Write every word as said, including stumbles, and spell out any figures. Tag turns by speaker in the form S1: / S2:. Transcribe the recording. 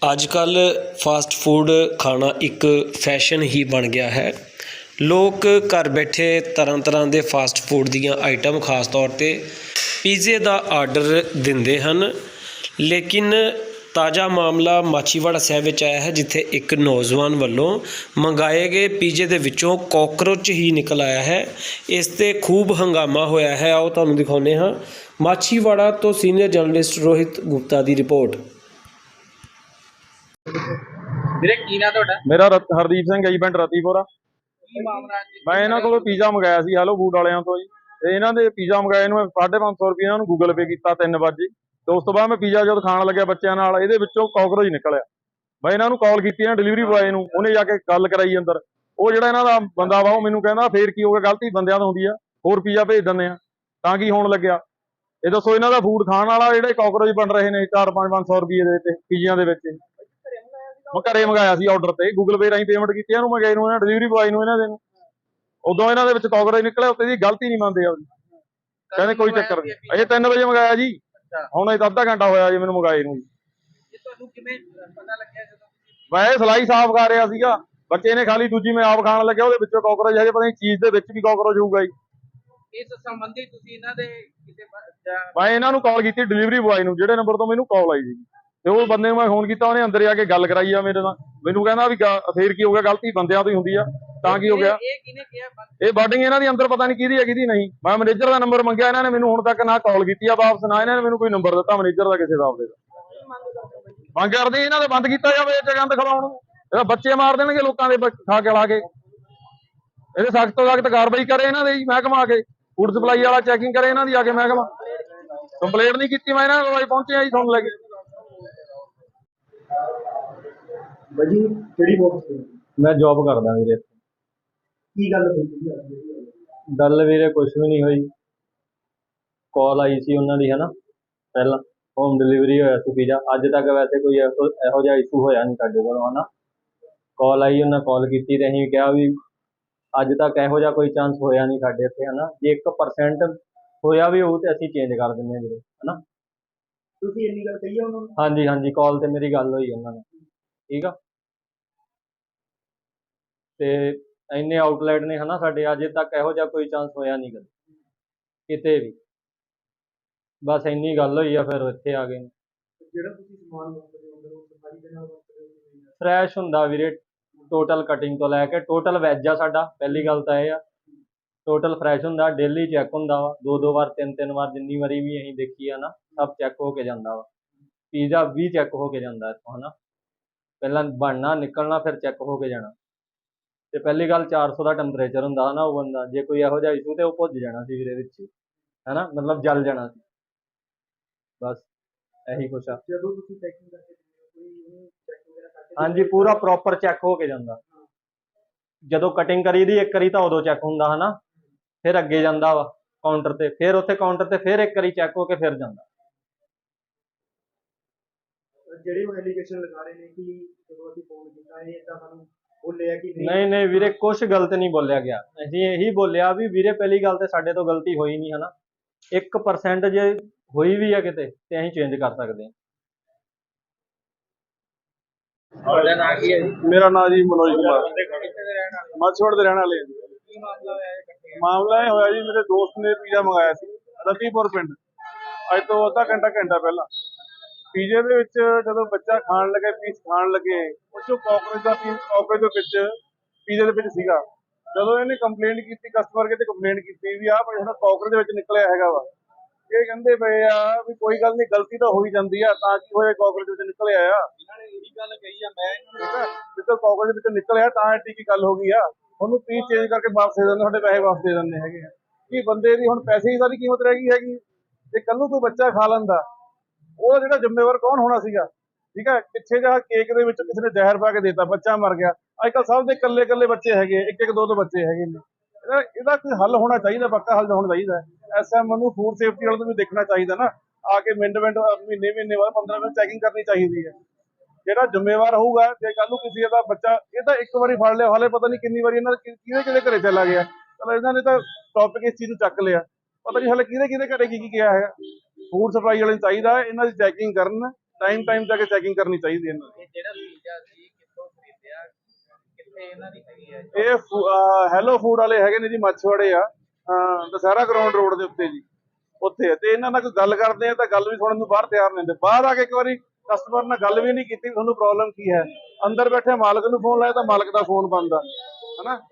S1: ਅੱਜ-ਕੱਲ੍ਹ fast food ਖਾਣਾ ਇੱਕ ਫੈਸ਼ਨ ਹੀ ਬਣ ਗਿਆ ਹੈ। ਲੋਕ ਘਰ ਬੈਠੇ ਤਰ੍ਹਾਂ ਤਰ੍ਹਾਂ ਦੇ ਫਾਸਟ ਫੂਡ ਦੀਆਂ ਆਈਟਮ ਖਾਸ ਤੌਰ 'ਤੇ ਪੀਜ਼ੇ ਦਾ ਆਰਡਰ ਦਿੰਦੇ ਹਨ। ਲੇਕਿਨ ਤਾਜ਼ਾ ਮਾਮਲਾ ਮਾਛੀਵਾੜਾ ਸਾਹਿਬ ਵਿੱਚ ਆਇਆ ਹੈ, ਜਿੱਥੇ ਇੱਕ ਨੌਜਵਾਨ ਵੱਲੋਂ ਮੰਗਾਏ ਗਏ ਪੀਜ਼ੇ ਦੇ ਵਿੱਚੋਂ ਕਾਕਰੋਚ ਹੀ ਨਿਕਲ ਆਇਆ ਹੈ। ਇਸ 'ਤੇ ਖੂਬ ਹੰਗਾਮਾ ਹੋਇਆ ਹੈ। ਆਓ ਤੁਹਾਨੂੰ ਦਿਖਾਉਂਦੇ ਹਾਂ। ਮਾਛੀਵਾੜਾ ਤੋਂ ਸੀਨੀਅਰ ਜਰਨਲਿਸਟ ਰੋਹਿਤ ਗੁਪਤਾ ਦੀ ਰਿਪੋਰਟ।
S2: ਵੀਰੇ ਕੀ ਨਾਂ ਤੁਹਾਡਾ?
S3: ਮੇਰਾ ਰਤ- ਹਰਦੀਪ ਸਿੰਘ ਹੈ ਜੀ, ਪਿੰਡ ਰਤੀਪੁਰਾ।
S2: ਕੀ ਮਾਮਲਾ ਅੱਜ?
S3: ਮੈਂ ਇਹਨਾਂ ਕੋਲੋਂ ਪੀਜ਼ਾ ਮੰਗਾਇਆ ਸੀ ਹੈਲੋ ਫੂਡ ਵਾਲਿਆਂ ਤੋਂ ਜੀ। ਤੇ ਇਹਨਾਂ ਦੇ ਪੀਜ਼ਾ ਮੰਗਾਏ ਨੂੰ ਸਾਢੇ ਪੰਜ ਸੌ ਰੁਪਏ ਇਹਨਾਂ ਨੂੰ ਗੂਗਲ ਪੇ ਕੀਤਾ ਤਿੰਨ ਵਜੇ। ਤੇ ਉਸ ਤੋਂ ਬਾਅਦ ਮੈਂ ਪੀਜ਼ਾ ਜਦ ਖਾਣ ਲੱਗਿਆ ਬੱਚਿਆਂ ਨਾਲ, ਇਹਦੇ ਵਿੱਚੋਂ ਕਾਕਰੋਚ ਨਿਕਲਿਆ। ਮੈਂ ਇਹਨਾਂ ਨੂੰ ਕਾਲ ਕੀਤੀ ਹੈ ਡਿਲੀਵਰੀ ਬੁਆਏ ਨੂੰ, ਉਹਨੇ ਜਾ ਕੇ ਗੱਲ ਕਰਾਈ ਅੰਦਰ। ਉਹ ਜਿਹੜਾ ਇਹਨਾਂ ਦਾ ਬੰਦਾ ਵਾ ਉਹ ਮੈਨੂੰ ਕਹਿੰਦਾ ਫੇਰ ਕੀ ਹੋ ਗਿਆ, ਗਲਤੀ ਬੰਦਿਆਂ ਤੋਂ ਹੁੰਦੀ ਆ, ਹੋਰ ਪੀਜ਼ਾ ਭੇਜ ਦਿੰਦੇ ਆ, ਤਾਂ ਕੀ ਹੋਣ ਲੱਗਿਆ। ਇਹ ਦੱਸੋ ਇਹਨਾਂ ਦਾ ਫੂਡ ਖਾਣ ਵਾਲਾ ਜਿਹੜੇ ਕਾਕਰੋਚ ਬਣ ਰਹੇ ਨੇ ਚਾਰ ਪੰਜ ਪੰਜ ਸੌ ਰੁਪਏ ਦੇ ਵਿੱਚ ਪੀਜ਼ਿਆਂ ਦੇ ਵਿੱਚ। ਮੈਂ ਘਰੇ ਮੰਗਾਇਆ ਸੀ ਆਰਡਰ ਤੇ, ਗੂਗਲ ਪੇ ਰਾਹੀਂ ਪੇਮੈਂਟ ਕੀਤੀ ਇਹਨੂੰ, ਮੈਂ ਗਏ ਨੂੰ ਇਹਨਾਂ ਡਿਲੀਵਰੀ ਬੁਆਏ ਨੂੰ ਇਹਨਾਂ ਦੇ ਨੂੰ। ਉਦੋਂ ਇਹਨਾਂ ਦੇ ਵਿੱਚ ਕਾਕਰੋਚ ਨਿਕਲਿਆ, ਉੱਤੇ ਦੀ ਗਲਤੀ ਨਹੀਂ ਮੰਨਦੇ ਆਪਦੀ, ਕਹਿੰਦੇ ਕੋਈ ਚੱਕਰ ਨਹੀਂ। ਅਜੇ ਤਿੰਨ ਵਜੇ ਮੰਗਾਇਆ ਜੀ, ਹੁਣ ਇਹ ਅੱਧਾ ਘੰਟਾ ਹੋਇਆ ਜੀ ਮੈਨੂੰ ਮੰਗਾਏ ਨੂੰ ਜੀ।
S2: ਤੁਹਾਨੂੰ ਕਿਵੇਂ ਪਤਾ ਲੱਗਿਆ ਜਦੋਂ?
S3: ਮੈਂ ਇਹ ਸਲਾਈ ਸਾਫ਼ ਕਰ ਰਿਹਾ ਸੀਗਾ, ਬੱਚੇ ਨੇ ਖਾਲੀ, ਦੂਜੀ ਮੈਂ ਆਪ ਖਾਣ ਲੱਗਿਆ, ਉਹਦੇ ਵਿੱਚੋਂ ਕਾਕਰੋਚ ਹੈਗੇ, ਪਤਾ ਨਹੀਂ ਚੀਜ਼ ਦੇ ਵਿੱਚ ਵੀ ਕਾਕਰੋਚ ਹੋਊਗਾ ਜੀ।
S2: ਇਸ ਸੰਬੰਧੀ ਤੁਸੀਂ ਇਹਨਾਂ ਦੇ ਕਿਸੇ
S3: ਮੈਂ ਇਹਨਾਂ ਨੂੰ ਕਾਲ ਕੀਤੀ ਡਿਲੀਵਰੀ ਬੁਆਏ ਨੂੰ, ਜਿਹੜੇ ਨੰਬਰ ਤੋਂ ਮੈਨੂੰ ਕਾਲ ਆਈ ਸੀ। ਤੇ ਉਹ ਬੰਦੇ ਨੂੰ ਮੈਂ ਫੋਨ ਕੀਤਾ, ਉਹਨੇ ਅੰਦਰ ਆ ਕੇ ਗੱਲ ਕਰਾਈ ਆ ਮੇਰੇ ਨਾਲ। ਮੈਨੂੰ ਕਹਿੰਦਾ ਵੀ ਫੇਰ ਕੀ ਹੋ ਗਿਆ, ਗਲਤੀ ਬੰਦਿਆਂ ਤੋਂ ਹੀ ਹੁੰਦੀ ਆ, ਤਾਂ ਕੀ ਹੋ ਗਿਆ।
S2: ਇਹ ਕਿਹਨੇ ਕਿਹਾ?
S3: ਇਹ ਬਾਡਿੰਗ ਇਹਨਾਂ ਦੀ ਅੰਦਰ ਪਤਾ ਨਹੀਂ ਕਿਹਦੀ ਹੈ ਕਿਹਦੀ ਨਹੀਂ। ਮੈਂ ਮੈਨੇਜਰ ਦਾ ਨੰਬਰ ਮੰਗਿਆ, ਇਹਨਾਂ ਨੇ ਮੈਨੂੰ ਹੁਣ ਤੱਕ ਨਾ ਕਾਲ ਕੀਤੀ ਆ ਵਾਪਸ, ਨਾ ਇਹਨਾਂ ਨੇ ਮੈਨੂੰ ਕੋਈ ਨੰਬਰ ਦਿੱਤਾ ਮੈਨੇਜਰ ਦਾ ਕਿਸੇ ਦਾ ਆਪਦੇ ਦਾ। ਮੰਗ ਕਰਦੇ ਇਹਨਾਂ ਦੇ ਬੰਦ ਕੀਤਾ ਜਾਵੇ ਇਹ ਗੰਦ ਖਿਲਾਉਣ ਨੂੰ। ਇਹਦਾ ਬੱਚੇ ਮਾਰ ਦੇਣਗੇ ਲੋਕਾਂ ਦੇ ਖਾ ਕੇ ਲਾ ਕੇ। ਇਹਦੇ ਸਖਤ ਤੋਂ ਸਖਤ ਕਾਰਵਾਈ ਕਰੇ ਇਹਨਾਂ ਦੇ ਜੀ ਮਹਿਕਮਾ ਆ ਕੇ, ਫੂਡ ਸਪਲਾਈ ਵਾਲਾ ਚੈਕਿੰਗ ਕਰੇ ਇਹਨਾਂ ਦੀ ਆ ਕੇ ਮਹਿਕਮਾ। ਕੰਪਲੇਂਟ ਨਹੀਂ ਕੀਤੀ, ਮੈਂ ਇਹਨਾਂ ਕੋਲ ਪਹੁੰਚਿਆ ਜੀ ਤੁਹਾਨੂੰ ਲੈ ਕੇ।
S4: ਬਾਜੀ ਕਿਹੜੀ ਪੋਸਟ ਤੇ?
S3: ਮੈਂ ਜੌਬ ਕਰਦਾ ਵੀਰੇ।
S4: ਕੀ ਗੱਲ ਹੋਈ ਸੀ?
S3: ਗੱਲ ਵੀਰੇ ਕੁਛ ਵੀ ਨਹੀਂ ਹੋਈ। ਕਾਲ ਆਈ ਸੀ ਉਹਨਾਂ ਦੀ ਹਨਾ, ਪਹਿਲਾਂ ਹੋਮ ਡਿਲੀਵਰੀ ਹੋਇਆ ਸੀ ਪੀਜ਼ਾ। ਅੱਜ ਤੱਕ ਵੈਸੇ ਕੋਈ ਇਹੋ ਇਹੋ ਜਿਹਾ ਇਸ਼ੂ ਹੋਇਆ ਨਹੀਂ ਸਾਡੇ ਕੋਲ ਹਨਾ। ਕਾਲ ਆਈ, ਉਹਨਾਂ ਕਾਲ ਕੀਤੀ ਤੇ ਅਸੀਂ ਕਿਹਾ ਵੀ ਅੱਜ ਤੱਕ ਇਹੋ ਜਿਹਾ ਕੋਈ ਚਾਂਸ ਹੋਇਆ ਨਹੀਂ ਸਾਡੇ ਇੱਥੇ ਹਨਾ। ਜੇ ਇੱਕ ਪਰਸੈਂਟ ਹੋਇਆ ਵੀ ਹੋਊ ਤੇ ਅਸੀਂ ਚੇਂਜ ਕਰ ਦਿੰਦੇ ਹਾਂ ਵੀਰੇ ਹਨਾ।
S4: ਤੁਸੀਂ ਇੰਨੀ ਗੱਲ ਕਹੀ ਆ ਉਹਨਾਂ ਨੂੰ?
S3: ਹਾਂਜੀ ਹਾਂਜੀ, ਕਾਲ ਤੇ ਮੇਰੀ ਗੱਲ ਹੋਈ ਉਹਨਾਂ ਨਾਲ, ਠੀਕ ਆ। ਤੇ ਇੰਨੇ ਆਊਟਲੈਟ ਨੇ ਹਨਾ ਸਾਡੇ, ਅਜੇ ਤੱਕ ਇਹੋ ਜਿਹਾ ਕੋਈ ਚਾਂਸ ਹੋਇਆ ਨਹੀਂ ਕਦੇ ਕਿਤੇ ਵੀ। ਬਸ ਇੰਨੀ ਗੱਲ ਹੋਈ ਆ, ਫਿਰ ਇੱਥੇ ਆ ਗਏ।
S4: ਜਿਹੜਾ ਤੁਸੀਂ ਸਮਾਨ ਵਰਤਦੇ ਹੋ ਅੰਦਰ, ਉਹ ਸਫਾਈ ਦੇ ਨਾਲ ਵਰਤਦੇ ਹੋ?
S3: ਫਰੈਸ਼ ਹੁੰਦਾ ਵੀਰੇ, ਟੋਟਲ ਕਟਿੰਗ ਤੋਂ ਲੈ ਕੇ ਟੋਟਲ ਵੈਜ ਆ ਸਾਡਾ। ਪਹਿਲੀ ਗੱਲ ਤਾਂ ਇਹ ਆ, ਟੋਟਲ ਫਰੈਸ਼ ਹੁੰਦਾ, ਡੇਲੀ ਚੈੱਕ ਹੁੰਦਾ ਵਾ, ਦੋ ਦੋ ਵਾਰ ਤਿੰਨ ਤਿੰਨ ਵਾਰ ਜਿੰਨੀ ਵਾਰੀ ਵੀ ਅਸੀਂ ਦੇਖੀ ਆ ਨਾ, ਸਭ ਚੈੱਕ ਹੋ ਕੇ ਜਾਂਦਾ ਵਾ। ਪੀਜ਼ਾ ਵੀ ਚੈੱਕ ਹੋ ਕੇ ਜਾਂਦਾ ਇੱਥੋਂ ਹਨਾ, ਪਹਿਲਾਂ ਬਣਨਾ ਨਿਕਲਣਾ ਫਿਰ ਚੈੱਕ ਹੋ ਕੇ ਜਾਣਾ। ਤੇ ਪਹਿਲੀ ਗੱਲ ਚਾਰ ਸੌ ਦਾ ਟੈਂਪਰੇਚਰ ਹੁੰਦਾ ਹਨਾ ਉਹ ਬੰਦਾ, ਜੇ ਕੋਈ ਇਹੋ ਜਿਹਾ ਇਸ਼ੂ ਤੇ ਉਹ ਭੁੱਜ ਜਾਣਾ ਸੀ ਵੀਰੇ ਵਿੱਚ ਹਨਾ, ਮਤਲਬ ਜਲ ਜਾਣਾ ਸੀ। ਬਸ ਇਹੀ ਕੁਛ ਆ।
S4: ਜਦੋਂ ਤੁਸੀਂ ਪੈਕਿੰਗ ਕਰਕੇ ਦਿੰਦੇ ਹੋ ਕੋਈ ਉਹਨੂੰ ਚੈੱਕ ਵਗੈਰਾ ਕਰਕੇ?
S3: ਹਾਂਜੀ, ਪੂਰਾ ਪ੍ਰੋਪਰ ਚੈੱਕ ਹੋ ਕੇ ਜਾਂਦਾ। ਜਦੋਂ ਕਟਿੰਗ ਕਰੀ ਦੀ ਇੱਕ ਵਾਰੀ ਤਾਂ ਉਦੋਂ ਚੈੱਕ ਹੁੰਦਾ ਹਨਾ, ਫਿਰ ਅੱਗੇ ਜਾਂਦਾ ਵਾ ਕਾਊਂਟਰ ਤੇ, ਫਿਰ ਉੱਥੇ ਕਾਊਂਟਰ ਤੇ ਫਿਰ ਇੱਕ ਵਾਰੀ ਚੈੱਕ ਹੋ ਕੇ ਫਿਰ ਜਾਂਦਾ।
S4: ਜਿਹੜੇ ਉਹ ਐਲੀਗੇਸ਼ਨ ਲਗਾ ਰਹੇ ਨੇ ਕਿ ਜਦੋਂ ਅਸੀਂ ਫੋਨ ਕੀਤਾ ਇਹ ਇਦਾਂ ਸਾਨੂੰ ਬੋਲਿਆ ਕਿ
S3: ਨਹੀਂ ਨਹੀਂ ਵੀਰੇ, ਕੁਛ ਗਲਤ ਨਹੀਂ ਬੋਲਿਆ ਗਿਆ। ਅਸੀਂ ਇਹੀ ਬੋਲਿਆ ਵੀ ਵੀਰੇ ਪਹਿਲੀ ਗੱਲ ਤੇ ਸਾਡੇ ਤੋਂ ਗਲਤੀ ਹੋਈ ਨਹੀਂ ਹਨਾ। ਇੱਕ ਪਰਸੈਂਟ ਜੇ ਹੋਈ ਵੀ ਆ ਕਿਤੇ ਤੇ ਅਸੀਂ ਚੇਂਜ ਕਰ ਸਕਦੇ ਹਾਂ।
S2: ਤੁਹਾਡਾ ਨਾਂ ਕੀ ਹੈ ਜੀ?
S3: ਮੇਰਾ ਨਾਮ ਜੀ ਮਨੋਜ ਕੁਮਾਰ,
S2: ਕਿੱਥੇ ਦੇ ਰਹਿਣ ਵਾਲੇ?
S3: ਮਾਛੀਵਾੜੇ ਦੇ ਰਹਿਣ ਵਾਲੇ ਹਾਂ ਜੀ।
S2: ਕੀ ਮਾਮਲਾ ਹੋਇਆ ਇਹ ਇਕੱਠੇ?
S3: ਮਾਮਲਾ ਇਹ ਹੋਇਆ ਜੀ, ਮੇਰੇ ਦੋਸਤ ਨੇ ਪੀਜ਼ਾ ਮੰਗਾਇਆ ਸੀ ਰਤੀਪੁਰ ਪਿੰਡ, ਅੱਜ ਤੋਂ ਅੱਧਾ ਘੰਟਾ ਘੰਟਾ ਪਹਿਲਾਂ। ਪੀਜ਼ੇ ਦੇ ਵਿੱਚ ਜਦੋਂ ਬੱਚਾ ਖਾਣ ਲੱਗੇ, ਪੀਸ ਖਾਣ ਲੱਗੇ, ਉਹ ਚੋਂ ਕਾਕਰੋਚ ਦਾ ਪੀਸ ਕਾਕਰੋਚ ਦੇ ਵਿੱਚ ਪੀਜ਼ੇ ਦੇ ਵਿੱਚ ਸੀਗਾ। ਜਦੋਂ ਇਹਨੇ ਕੰਪਲੇਂਟ ਕੀਤੀ, ਕਸਟਮਰ ਕੇ ਤੇ ਕੰਪਲੇਂਟ ਕੀਤੀ ਵੀ ਆਹ ਭਾਈ ਹੁਣ ਕਾਕਰੋਚ ਦੇ ਵਿੱਚ ਨਿਕਲਿਆ ਹੈਗਾ ਵਾ। ਇਹ ਕਹਿੰਦੇ ਪਏ ਆ ਵੀ ਕੋਈ ਗੱਲ ਨਹੀਂ, ਗਲਤੀ ਤਾਂ ਹੋਈ ਜਾਂਦੀ ਆ, ਤਾਂ ਕੀ ਹੋਇਆ ਕਾਕਰੋਚ ਵਿੱਚ ਨਿਕਲਿਆ ਆ।
S2: ਇਹਨਾਂ ਨੇ ਇਹੀ ਗੱਲ ਕਹੀ ਆ, ਮੈਂ
S3: ਠੀਕ ਹੈ, ਜਿੱਦੋਂ ਕਾਕਰੋਚ ਦੇ ਵਿੱਚ ਨਿਕਲਿਆ ਤਾਂ ਐਡੀ ਕੀ ਗੱਲ ਹੋ ਗਈ ਆ। ਉਹਨੂੰ ਪੀਸ ਚੇਂਜ ਕਰਕੇ ਵਾਪਸ ਦੇ ਦਿੰਦੇ, ਸਾਡੇ ਪੈਸੇ ਵਾਪਸ ਦੇ ਦਿੰਦੇ ਹੈਗੇ ਆ। ਕੀ ਬੰਦੇ ਦੀ ਹੁਣ ਪੈਸੇ ਦੀ ਕੀਮਤ ਰਹਿ ਗਈ ਹੈਗੀ। ਜੇ ਕੱਲ ਨੂੰ ਕੋਈ ਬੱਚਾ ਖਾ ਲੈਂਦਾ, ਉਹ ਜਿਹੜਾ ਜ਼ਿੰਮੇਵਾਰ ਕੌਣ ਹੋਣਾ ਸੀਗਾ। ਠੀਕ ਹੈ, ਪਿੱਛੇ ਜਿਹਾ ਕੇਕ ਦੇ ਵਿੱਚ ਕਿਸੇ ਨੇ ਜ਼ਹਿਰ ਪਾ ਕੇ ਦੇਤਾ, ਬੱਚਾ ਮਰ ਗਿਆ। ਅੱਜ ਕੱਲ੍ਹ ਸਭ ਦੇ ਇਕੱਲੇ ਇਕੱਲੇ ਬੱਚੇ ਹੈਗੇ, ਇੱਕ ਇੱਕ ਦੋ ਦੋ ਬੱਚੇ ਹੈਗੇ ਨੇ। ਇਹਦਾ ਇਹਦਾ ਕੋਈ ਹੱਲ ਹੋਣਾ ਚਾਹੀਦਾ, ਪੱਕਾ ਹੱਲ ਹੋਣਾ ਚਾਹੀਦਾ। ਐਸ ਐਮ ਨੂੰ ਫੂਡ ਸੇਫਟੀ ਵਾਲੇ ਨੂੰ ਵੀ ਦੇਖਣਾ ਚਾਹੀਦਾ ਨਾ, ਆ ਕੇ ਮਿੰਟ ਮਿੰਟ ਮਹੀਨੇ ਮਹੀਨੇ ਬਾਅਦ ਪੰਦਰਾਂ ਮਿੰਟ ਚੈਕਿੰਗ ਕਰਨੀ ਚਾਹੀਦੀ ਹੈ। ਜਿਹੜਾ ਜ਼ਿੰਮੇਵਾਰ ਹੋਊਗਾ, ਜੇ ਕੱਲ ਨੂੰ ਕਿਸੇ ਦਾ ਬੱਚਾ, ਇਹ ਤਾਂ ਇੱਕ ਵਾਰੀ ਫੜ ਲਿਆ, ਹਾਲੇ ਪਤਾ ਨਹੀਂ ਕਿੰਨੀ ਵਾਰੀ ਇਹਨਾਂ ਕਿਹਦੇ ਕਿਹਦੇ ਘਰੇ ਚਲਾ ਗਿਆ। ਚਲੋ ਇਹਨਾਂ ਨੇ ਤਾਂ ਟੌਪਿਕ ਇਸ ਚੀਜ਼ ਨੂੰ ਚੱਕ ਲਿਆ, ਪਤਾ ਨਹੀਂ ਹਾਲੇ ਕਿਹਦੇ ਕਿਹਦੇ ਘਰੇ ਕੀ ਕੀ ਕਿਹਾ ਹੈਗਾ। ਫੂਡ ਸਪਲਾਈ ਵਾਲੇ ਨੂੰ ਚਾਹੀਦਾ ਇਹਨਾਂ ਦੀ ਚੈਕਿੰਗ ਕਰਨ, ਟਾਈਮ ਟਾਈਮ ਤੇ ਚੈਕਿੰਗ ਕਰਨੀ ਚਾਹੀਦੀ ਹੈ ਇਹਨਾਂ ਦੀ।
S2: ਇਹ ਜਿਹੜਾ ਪੀਜ਼ਾ ਸੀ ਕਿੱਥੋਂ ਖਰੀਦਿਆ, ਕਿੱਥੇ ਇਹਨਾਂ ਦੀ ਹੈਗੀ ਹੈ?
S3: ਇਹ ਹੈਲੋ ਫੂਡ ਵਾਲੇ ਹੈਗੇ ਨੇ ਜੀ, ਮੱਛਵਾੜੇ ਆ, ਅਹ ਦੁਸਹਿਰਾ ਗਰਾਊਂਡ ਰੋਡ ਦੇ ਉੱਤੇ ਜੀ, ਉੱਥੇ ਆ। ਤੇ ਇਹਨਾਂ ਨਾਲ ਕੋਈ ਗੱਲ ਕਰਦੇ ਆ ਤਾਂ ਗੱਲ ਵੀ ਸੁਣਨ ਨੂੰ ਬਾਹਰ ਤਿਆਰ ਨਹੀਂ ਹੁੰਦੇ। ਬਾਹਰ ਆ ਕੇ ਇੱਕ ਵਾਰੀ ਕਸਟਮਰ ਨਾਲ ਗੱਲ ਵੀ ਨਹੀਂ ਕੀਤੀ ਤੁਹਾਨੂੰ ਪ੍ਰੋਬਲਮ ਕੀ ਹੈ, ਅੰਦਰ ਬੈਠੇ ਮਾਲਕ ਨੂੰ ਫੋਨ ਲਾਇਆ ਤਾਂ ਮਾਲਕ ਦਾ ਫੋਨ ਬੰਦ ਆ, ਹਨਾ।